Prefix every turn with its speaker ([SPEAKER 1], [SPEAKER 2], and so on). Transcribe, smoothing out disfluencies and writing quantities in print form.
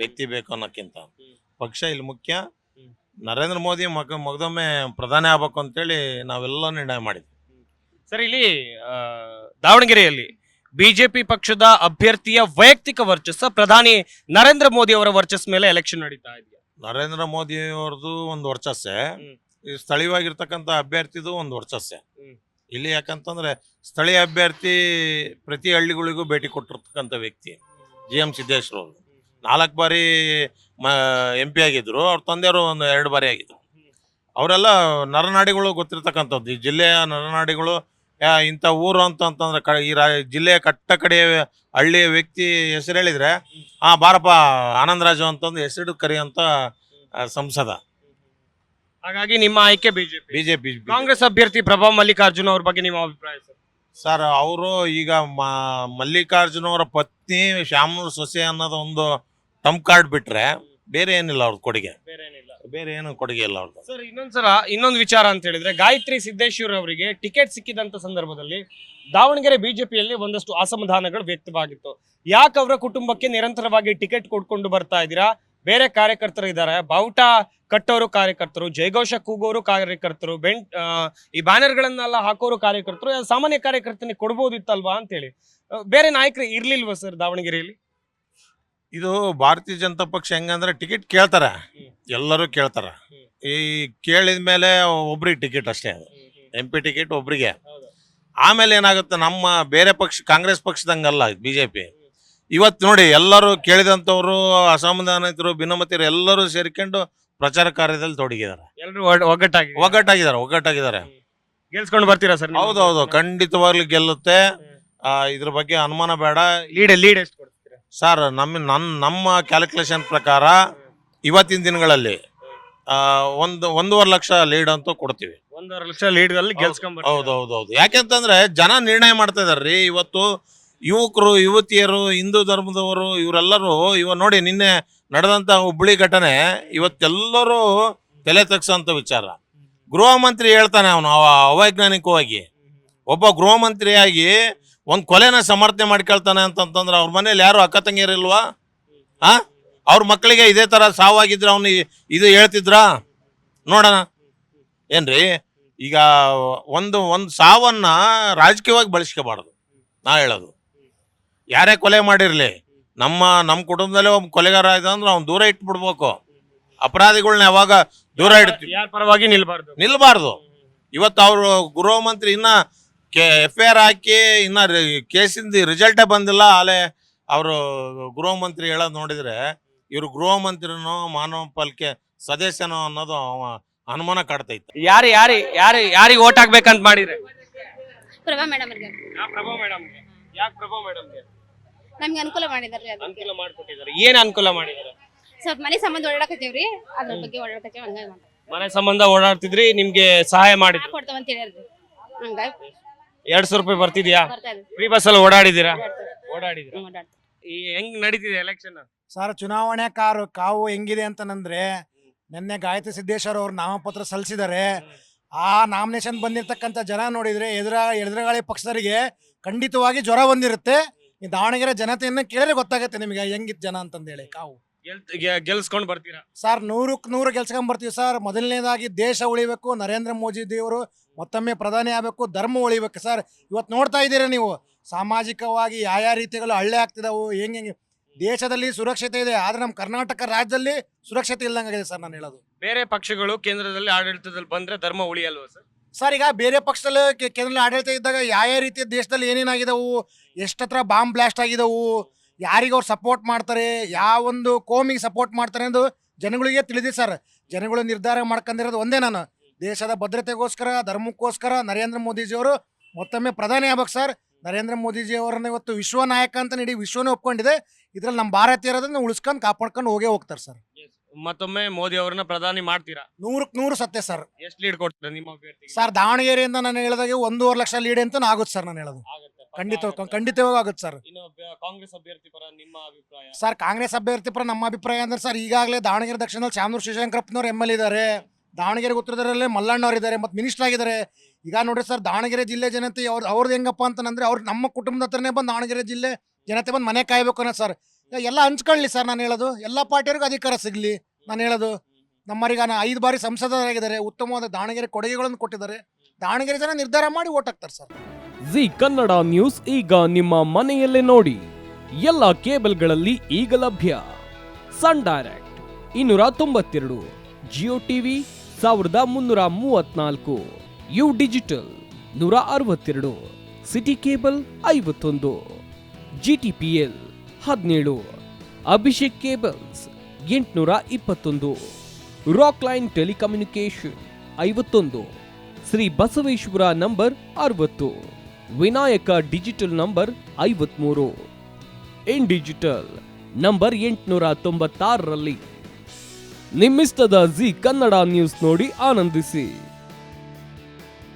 [SPEAKER 1] ವ್ಯಕ್ತಿ ಬೇಕು ಅನ್ನೋಕ್ಕಿಂತ ಪಕ್ಷ ಇಲ್ಲಿ ಮುಖ್ಯ. ನರೇಂದ್ರ ಮೋದಿ ಮಗದೊಮ್ಮೆ ಪ್ರಧಾನಿ ಆಗ್ಬೇಕು ಅಂತೇಳಿ ನಾವೆಲ್ಲ ನಿರ್ಣಯ ಮಾಡಿದ್ವಿ.
[SPEAKER 2] ಸರ್, ಇಲ್ಲಿ ದಾವಣಗೆರೆಯಲ್ಲಿ ಬಿಜೆಪಿ ಪಕ್ಷದ ಅಭ್ಯರ್ಥಿಯ ವೈಯಕ್ತಿಕ ವರ್ಚಸ್ಸ, ಪ್ರಧಾನಿ ನರೇಂದ್ರ ಮೋದಿ ಅವರ ವರ್ಚಸ್ ಮೇಲೆ ಎಲೆಕ್ಷನ್ ನಡೀತಾ ಇದೆಯಾ?
[SPEAKER 1] ನರೇಂದ್ರ ಮೋದಿ ಅವ್ರದ್ದು ಒಂದು ವರ್ಚಸ್ಸೆ, ಈ ಸ್ಥಳೀಯವಾಗಿರ್ತಕ್ಕಂಥ ಅಭ್ಯರ್ಥಿದು ಒಂದು ವರ್ಚಸ್ಸೆ. ಇಲ್ಲಿ ಯಾಕಂತಂದ್ರೆ ಸ್ಥಳೀಯ ಅಭ್ಯರ್ಥಿ ಪ್ರತಿ ಹಳ್ಳಿಗಳಿಗೂ ಭೇಟಿ ಕೊಟ್ಟಿರ್ತಕ್ಕಂಥ ವ್ಯಕ್ತಿ GM ಸಿದ್ದೇಶ್ವರ ಅವರು. 4 ಬಾರಿ MP ಆಗಿದ್ರು. ಅವ್ರ ತಂದೆಯವರು ಒಂದು 2 ಬಾರಿ ಆಗಿದ್ರು. ಅವರೆಲ್ಲ ನರನಾಡಿಗಳು ಗೊತ್ತಿರ್ತಕ್ಕಂಥದ್ದು. ಈ ಜಿಲ್ಲೆಯ ನರನಾಡಿಗಳು ಇಂಥ ಊರು ಅಂತಂದ್ರೆ ಈ ಜಿಲ್ಲೆಯ ಕಟ್ಟ ಕಡೆಯ ಹಳ್ಳಿಯ ವ್ಯಕ್ತಿ ಹೆಸರು ಹೇಳಿದ್ರೆ ಬಾರಪ್ಪ ಆನಂದರಾಜು ಅಂತಂದು ಹೆಸರು ಕರೆಯುವಂತ ಸಂಸದ.
[SPEAKER 2] ಹಾಗಾಗಿ ನಿಮ್ಮ ಆಯ್ಕೆ
[SPEAKER 1] ಬಿಜೆಪಿ.
[SPEAKER 2] ಕಾಂಗ್ರೆಸ್ ಅಭ್ಯರ್ಥಿ ಪ್ರಭಾ ಮಲ್ಲಿಕಾರ್ಜುನ್ ಅವ್ರ ಬಗ್ಗೆ ನಿಮ್ಮ ಅಭಿಪ್ರಾಯ ಸರ್?
[SPEAKER 1] ಸರ್, ಅವರು ಈಗ ಮಲ್ಲಿಕಾರ್ಜುನ ಅವರ ಪತ್ನಿ ಶ್ಯಾಮನೂರ್ ಸೊಸೆ ಅನ್ನೋದು ಒಂದು ಟಂಪ್ ಕಾರ್ಡ್ ಬಿಟ್ರೆ ಬೇರೆ ಏನಿಲ್ಲ ಅವ್ರದ್ದು ಕೊಡುಗೆ. ಬೇರೆ ಏನು ಕೊಡುಗೆ ಇಲ್ಲ ಅವ್ರದ್ದು.
[SPEAKER 2] ಸರ್, ಇನ್ನೊಂದು ವಿಚಾರ ಅಂತ ಹೇಳಿದ್ರೆ, ಗಾಯತ್ರಿ ಸಿದ್ದೇಶ್ವರ್ ಅವರಿಗೆ ಟಿಕೆಟ್ ಸಿಕ್ಕಿದಂತ ಸಂದರ್ಭದಲ್ಲಿ ದಾವಣಗೆರೆ ಬಿಜೆಪಿಯಲ್ಲಿ ಒಂದಷ್ಟು ಅಸಮಾಧಾನಗಳು ವ್ಯಕ್ತವಾಗಿತ್ತು. ಯಾಕೆ ಅವರ ಕುಟುಂಬಕ್ಕೆ ನಿರಂತರವಾಗಿ ಟಿಕೆಟ್ ಕೊಡ್ಕೊಂಡು ಬರ್ತಾ ಇದ್ದೀರಾ? ಬೇರೆ ಕಾರ್ಯಕರ್ತರು ಇದ್ದಾರೆ, ಬಾವುಟ ಕಟ್ಟೋರು ಕಾರ್ಯಕರ್ತರು, ಜಯಘೋಷ ಕೂಗೋರು ಕಾರ್ಯಕರ್ತರು, ಈ ಬ್ಯಾನರ್ ಗಳನ್ನೆಲ್ಲ ಹಾಕೋರು ಕಾರ್ಯಕರ್ತರು, ಸಾಮಾನ್ಯ ಕಾರ್ಯಕರ್ತನಿಗೆ ಕೊಡ್ಬೋದಿತ್ತಲ್ವಾ ಅಂತ ಹೇಳಿ ಬೇರೆ ನಾಯಕರು ಇರ್ಲಿಲ್ವಾ ಸರ್ ದಾವಣಗೆರೆಯಲ್ಲಿ?
[SPEAKER 1] ಇದು ಭಾರತೀಯ ಜನತಾ ಪಕ್ಷ ಹೆಂಗಂದ್ರೆ ಟಿಕೆಟ್ ಕೇಳ್ತಾರ, ಎಲ್ಲರೂ ಕೇಳ್ತಾರ. ಈ ಕೇಳಿದ ಮೇಲೆ ಒಬ್ರಿಗೆ ಟಿಕೆಟ್ ಅಷ್ಟೇ, ಅದು MP ಟಿಕೆಟ್ ಒಬ್ರಿಗೆ. ಆಮೇಲೆ ಏನಾಗುತ್ತೆ, ನಮ್ಮ ಬೇರೆ ಪಕ್ಷ ಕಾಂಗ್ರೆಸ್ ಪಕ್ಷದಂಗಲ್ಲ ಬಿಜೆಪಿ. ಇವತ್ತು ನೋಡಿ, ಎಲ್ಲರೂ ಕೇಳಿದಂಥವ್ರು, ಅಸಮಾಧಾನಿತರು, ಭಿನ್ನಮತಿಯರು ಎಲ್ಲರೂ ಸೇರ್ಕೊಂಡು ಪ್ರಚಾರ ಕಾರ್ಯದಲ್ಲಿ ತೊಡಗಿದ್ದಾರೆ.
[SPEAKER 2] ಎಲ್ಲರೂ ಒಗ್ಗಟ್ಟಾಗಿದ್ದಾರೆ. ಗೆಲ್ಸ್ಕೊಂಡು ಬರ್ತೀರಾ ಸರ್?
[SPEAKER 1] ಹೌದೌದು, ಖಂಡಿತವಾಗ್ಲೂ ಗೆಲ್ಲುತ್ತೆ. ಇದ್ರ ಬಗ್ಗೆ ಅನುಮಾನ ಬೇಡ.
[SPEAKER 2] ಲೀಡ್ ಎಷ್ಟು ಕೊಡ್ತೀರಾ
[SPEAKER 1] ಸರ್? ನಮ್ಮ ಕ್ಯಾಲ್ಕುಲೇಷನ್ ಪ್ರಕಾರ ಇವತ್ತಿನ ದಿನಗಳಲ್ಲಿ 1.5 ಲಕ್ಷ ಲೀಡ್ ಅಂತೂ ಕೊಡ್ತೀವಿ.
[SPEAKER 2] 1.5 ಲಕ್ಷ ಲೀಡ್ ಅಲ್ಲಿ ಗೆಲ್ಸ್ಕೊಂಡ್.
[SPEAKER 1] ಹೌದೌದು. ಯಾಕೆಂತಂದ್ರೆ ಜನ ನಿರ್ಣಯ ಮಾಡ್ತಾ ಇದಾರ್ರಿ. ಇವತ್ತು ಯುವಕರು, ಯುವತಿಯರು, ಹಿಂದೂ ಧರ್ಮದವರು ಇವರೆಲ್ಲರೂ ನೋಡಿ, ನಿನ್ನೆ ನಡೆದಂತ ಹುಬ್ಬಳ್ಳಿ ಘಟನೆ ಇವತ್ತೆಲ್ಲರೂ ತಲೆ ತಗ್ಸೋಂಥ ವಿಚಾರ. ಗೃಹ ಮಂತ್ರಿ ಹೇಳ್ತಾನೆ, ಅವನು ಅವೈಜ್ಞಾನಿಕವಾಗಿ ಒಬ್ಬ ಗೃಹ ಮಂತ್ರಿಯಾಗಿ ಒಂದು ಕೊಲೆನ ಸಮರ್ಥನೆ ಮಾಡ್ಕೊಳ್ತಾನೆ ಅಂತಂತಂದ್ರೆ ಅವ್ರ ಮನೇಲಿ ಯಾರು ಅಕ್ಕ ತಂಗಿಯರಿಲ್ವಾ? ಅವ್ರ ಮಕ್ಕಳಿಗೆ ಇದೇ ತರ ಸಾವಾಗಿದ್ರೆ ಅವನು ಇದು ಹೇಳ್ತಿದ್ರ? ನೋಡೋಣ ಏನ್ರಿ. ಈಗ ಒಂದು ಸಾವನ್ನ ರಾಜಕೀಯವಾಗಿ ಬಳಸ್ಕೋಬಾರ್ದು. ನಾ ಹೇಳೋದು, ಯಾರೇ ಕೊಲೆ ಮಾಡಿರ್ಲಿ, ನಮ್ಮ ಕುಟುಂಬದಲ್ಲೇ ಒಬ್ಬ ಕೊಲೆಗಾರ ಆಯ್ತು ಅಂದ್ರೆ ಅವ್ನು ದೂರ ಇಟ್ಬಿಡ್ಬೇಕು. ಅಪರಾಧಿಗಳನ್ನ ಯಾವಾಗ ದೂರ ಇಡ್ತೀವಿ,
[SPEAKER 2] ಯಾರ ಪರವಾಗಿ
[SPEAKER 1] ನಿಲ್ಬಾರ್ದು. ಇವತ್ತು ಅವರು ಗೃಹ ಮಂತ್ರಿ ಇನ್ನ FIR ಹಾಕಿ ಇನ್ನ ಕೇಸಿಂದ ರಿಸಲ್ಟೇ ಬಂದಿಲ್ಲ. ಆಲೆ ಅವರು ಗೃಹ ಮಂತ್ರಿ ಹೇಳೋದು ನೋಡಿದ್ರೆ ಇವ್ರು ಗೃಹ ಮಂತ್ರಿನೋ ಮಾನವ ಪಾಲಿಕೆ ಸದಸ್ಯನೋ ಅನ್ನೋದು ಅನುಮಾನ ಕಾಡ್ತೈತೆ.
[SPEAKER 2] ಯಾರಿಗೆ ಓಟ್ ಹಾಕ್ಬೇಕಂತ ಮಾಡಿದ್ರೆ?
[SPEAKER 3] ಪ್ರಭಾ ಮೇಡಮ್.
[SPEAKER 2] ಪ್ರಭಾ ಮೇಡಮ್. ಯಾಕೆ ಪ್ರಭಾ ಮೇಡಮ್ಗೆ?
[SPEAKER 3] ನಮ್ಗೆ ಅನುಕೂಲ ಮಾಡಿದಾರೆ.
[SPEAKER 2] ಅನುಕೂಲ ಮಾಡ್ಕೊಟ್ಟಿದ್ದಾರೆ. ಏನ್ ಅನುಕೂಲ ಮಾಡಿದ್ದಾರೆ?
[SPEAKER 3] ಸ್ವಲ್ಪ ಮನೆ ಸಂಬಂಧ ಓಡಾಡಕತ್ತೀವ್ರಿ, ಅದ್ರ ಬಗ್ಗೆ ಓಡಾಡಕತ್ತೀವಿ. ಹಂಗಾಗಿ
[SPEAKER 2] ಮನೆ ಸಂಬಂಧ ಓಡಾಡ್ತಿದ್ರಿ, ನಿಮ್ಗೆ ಸಹಾಯ ಮಾಡಿದ್ರು,
[SPEAKER 3] ಕೊಡ್ತಾವಂತ ಹೇಳಿದ್ರಿ. ಹಂಗಾಗಿ
[SPEAKER 2] 200 ರೂಪಾಯಿ ಬರ್ತಿದ್ಯಾ? ಫ್ರೀ ಬಸ್ ಅಲ್ಲಿ ಓಡಾಡಿದ್ದೀರಾ? ಈ ಹೆಂಗ್ ನಡೀತಿದೆ ಎಲೆಕ್ಷನ್
[SPEAKER 4] ಸರ್? ಚುನಾವಣೆ ಕಾವು ಹೆಂಗಿದೆ ಅಂತಂದ್ರೆ, ನಿನ್ನೆ ಗಾಯತ್ರಿ ಸಿದ್ದೇಶ್ವರ ಅವರು ನಾಮಪತ್ರ ಸಲ್ಲಿಸಿದ್ದಾರೆ. ಆ ನಾಮಿನೇಷನ್ ಬಂದಿರತಕ್ಕಂಥ ಜನ ನೋಡಿದ್ರೆ ಎದುರುಗಾಳಿ ಪಕ್ಷದವರಿಗೆ ಖಂಡಿತವಾಗಿ ಜ್ವರ ಬಂದಿರುತ್ತೆ. ಈ ದಾವಣಗೆರೆ ಜನತೆಯನ್ನು ಕೇಳಿದ್ರೆ ಗೊತ್ತಾಗುತ್ತೆ ನಿಮಗೆ ಹೆಂಗಿತ್ತು ಜನ ಅಂತಂದೇಳಿ. ಕಾವು
[SPEAKER 2] ಗೆಲ್ಸ್ಕೊಂಡ್ ಬರ್ತೀರಾ
[SPEAKER 4] ಸರ್? 100ಕ್ಕೆ 100 ಗೆಲ್ಸ್ಕೊಂಡ್ ಬರ್ತೀವಿ ಸರ್. ಮೊದಲನೇದಾಗಿ ದೇಶ ಉಳಿಬೇಕು, ನರೇಂದ್ರ ಮೋದಿ ದೇವರು ಮತ್ತೊಮ್ಮೆ ಪ್ರಧಾನಿ ಆಗಬೇಕು, ಧರ್ಮ ಉಳಿಬೇಕು ಸರ್. ಇವತ್ತು ನೋಡ್ತಾ ಇದ್ದೀರಾ ನೀವು, ಸಾಮಾಜಿಕವಾಗಿ ಯಾವ ರೀತಿಗಳು ಹಳ್ಳೆ ಆಗ್ತಿದಾವು, ಹೆಂಗೆ ದೇಶದಲ್ಲಿ ಸುರಕ್ಷತೆ ಇದೆ, ಆದ್ರೆ ನಮ್ಮ ಕರ್ನಾಟಕ ರಾಜ್ಯದಲ್ಲಿ ಸುರಕ್ಷತೆ ಇಲ್ದಂಗಿದೆ ಸರ್. ನಾನು ಹೇಳೋದು,
[SPEAKER 2] ಬೇರೆ ಪಕ್ಷಗಳು ಕೇಂದ್ರದಲ್ಲಿ ಆಡಳಿತದಲ್ಲಿ ಬಂದ್ರೆ ಧರ್ಮ ಉಳಿಯಲ್ವ ಸರ್?
[SPEAKER 4] ಸರ್, ಈಗ ಬೇರೆ ಪಕ್ಷದಲ್ಲಿ ಕೇಂದ್ರದಲ್ಲಿ ಆಡಳಿತ ಇದ್ದಾಗ ಯಾವ ರೀತಿಯ ದೇಶದಲ್ಲಿ ಏನೇನಾಗಿದವು, ಎಷ್ಟತ್ರ ಬಾಂಬ್ ಬ್ಲಾಸ್ಟ್ ಆಗಿದವು, ಯಾರಿಗೆ ಅವ್ರು ಸಪೋರ್ಟ್ ಮಾಡ್ತಾರೆ, ಯಾವೊಂದು ಕೋಮಿಗೆ ಸಪೋರ್ಟ್ ಮಾಡ್ತಾರೆ ಎಂದು ಜನಗಳಿಗೆ ತಿಳಿದಿ ಸರ್. ಜನಗಳು ನಿರ್ಧಾರ ಮಾಡ್ಕೊಂಡಿರೋದು ಒಂದೇ, ನಾನು ದೇಶದ ಭದ್ರತೆಗೋಸ್ಕರ, ಧರ್ಮಕ್ಕೋಸ್ಕರ ನರೇಂದ್ರ ಮೋದಿಜಿಯವರು ಮತ್ತೊಮ್ಮೆ ಪ್ರಧಾನಿ ಆಗ್ಬೇಕು ಸರ್. ನರೇಂದ್ರ ಮೋದಿಜಿಯವರನ್ನ ಇವತ್ತು ವಿಶ್ವ ನಾಯಕ ಅಂತ ಇಡೀ ವಿಶ್ವನೇ ಒಪ್ಕೊಂಡಿದೆ. ಇದ್ರಲ್ಲಿ ನಮ್ಮ ಭಾರತೀಯರದನ್ನ ಉಳಿಸ್ಕೊಂಡು ಕಾಪಾಡ್ಕೊಂಡು ಹೋಗ್ತಾರೆ ಸರ್.
[SPEAKER 2] ಮತ್ತೊಮ್ಮೆ ಮೋದಿ ಅವರನ್ನ ಪ್ರಧಾನಿ ಮಾಡ್ತೀರಾ?
[SPEAKER 4] 100ಕ್ಕೆ 100 ಸತ್ಯ ಸರ್.
[SPEAKER 2] ಎಷ್ಟು ಲೀಡ್ ಕೊಡ್ತೀರಾ ನಿಮ್ಮ ಅಭ್ಯರ್ಥಿಗೆ?
[SPEAKER 4] ಸರ್, ದಾವಣಗೆರೆಯಿಂದ ನಾನು ಹೇಳಿದಾಗ 1.5 ಲಕ್ಷ ಲೀಡ್ ಅಂತ ಆಗುತ್ತೆ ಸರ್. ನಾನು ಹೇಳೋದು ಖಂಡಿತವಾಗಿ ಆಗುತ್ತೆ ಸರ್.
[SPEAKER 2] ಕಾಂಗ್ರೆಸ್ ಅಭ್ಯರ್ಥಿ ಪರ ನಿಮ್ಮ ಅಭಿಪ್ರಾಯ?
[SPEAKER 4] ಸರ್, ಕಾಂಗ್ರೆಸ್ ಅಭ್ಯರ್ಥಿ ಪರ ನಮ್ಮ ಅಭಿಪ್ರಾಯ ಅಂದ್ರೆ ಸರ್, ಈಗಾಗಲೇ ದಾವಣಗೆರೆ ದಕ್ಷಿಣದಲ್ಲಿ ಶ್ಯಾಮನೂರು ಶಿವಶಂಕರಪ್ಪನವ್ರು MLA ಇದ್ದಾರೆ, ದಾವಣಗೆರೆ ಉತ್ತರದಲ್ಲೇ ಮಲ್ಲಣ್ಣವ್ರು ಇದ್ದಾರೆ, ಮತ್ತು ಮಿನಿಸ್ಟರ್ ಆಗಿದ್ದಾರೆ. ಈಗ ನೋಡ್ರಿ ಸರ್, ದಾವಣಗೆರೆ ಜಿಲ್ಲೆ ಜನತೆ ಅವ್ರದ್ದು ಹೆಂಗಪ್ಪ ಅಂತಂದ್ರೆ, ಅವ್ರು ನಮ್ಮ ಕುಟುಂಬದ ಹತ್ರನೇ ಬಂದು ದಾವಣಗೆರೆ ಜಿಲ್ಲೆ ಜನತೆ ಬಂದು ಮನೆ ಕಾಯ್ಬೇಕು ಅನ್ನೋದು ಸರ್. ಎಲ್ಲ ಹಂಚ್ಕೊಳ್ಳಿ ಸರ್. ನಾನು ಹೇಳೋದು ಎಲ್ಲ ಪಾರ್ಟಿಯವ್ರಿಗೂ ಅಧಿಕಾರ ಸಿಗಲಿ. ನಾನು ಹೇಳೋದು ನಮ್ಮರಿಗೆ 5 ಬಾರಿ ಸಂಸದರಾಗಿದ್ದಾರೆ, ಉತ್ತಮವಾದ ದಾವಣಗೆರೆ ಕೊಡುಗೆಗಳನ್ನು ಕೊಟ್ಟಿದ್ದಾರೆ. ದಾವಣಗೆರೆ ಜನ ನಿರ್ಧಾರ ಮಾಡಿ ಓಟ್ ಹಾಕ್ತಾರೆ ಸರ್.
[SPEAKER 5] ಜಿ ಕನ್ನಡ ನ್ಯೂಸ್ ಈಗ ನಿಮ್ಮ ಮನೆಯಲ್ಲೇ ನೋಡಿ. ಎಲ್ಲ ಕೇಬಲ್ಗಳಲ್ಲಿ ಈಗ ಲಭ್ಯ. Sun Direct 292, Jio TV 1334, U digital 162, city cable 51, GTPL 17, Abhishek cables 821, Rockline telecommunication 51, Shri Basaveshwara number 60, Vinayaka digital number 53, in digital number 896ರಲ್ಲಿ. ನಿಮ್ಮಿಸ್ತದ ಜಿ ಕನ್ನಡ ನ್ಯೂಸ್ ನೋಡಿ ಆನಂದಿಸಿ.